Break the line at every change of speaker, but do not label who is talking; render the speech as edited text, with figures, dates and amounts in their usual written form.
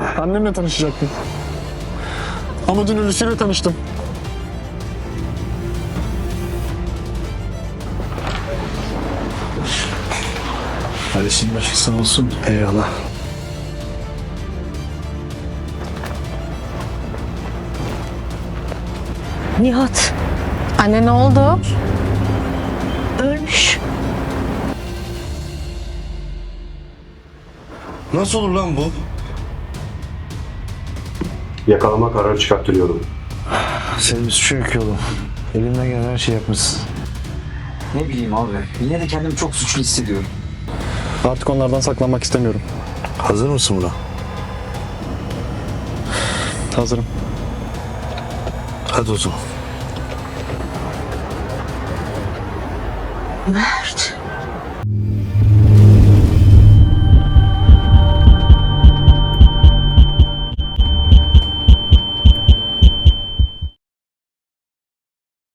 Annemle tanışacaktım. Ama dün ölüsüyle tanıştım.
Hadi şimdi başın sağ olsun.
Eyvallah.
Nihat. Anne ne oldu? Ölmüş.
Nasıl olur lan bu?
Yakalama kararı çıkarttırıyorum.
Senin bir suçun yok ki oğlum. Elimden gelen her şeyi yapmışsın.
Ne bileyim abi. Yine de kendimi çok suçlu hissediyorum.
Artık onlardan saklanmak istemiyorum.
Hazır mısın buna?
Hazırım.
Hadi o zaman.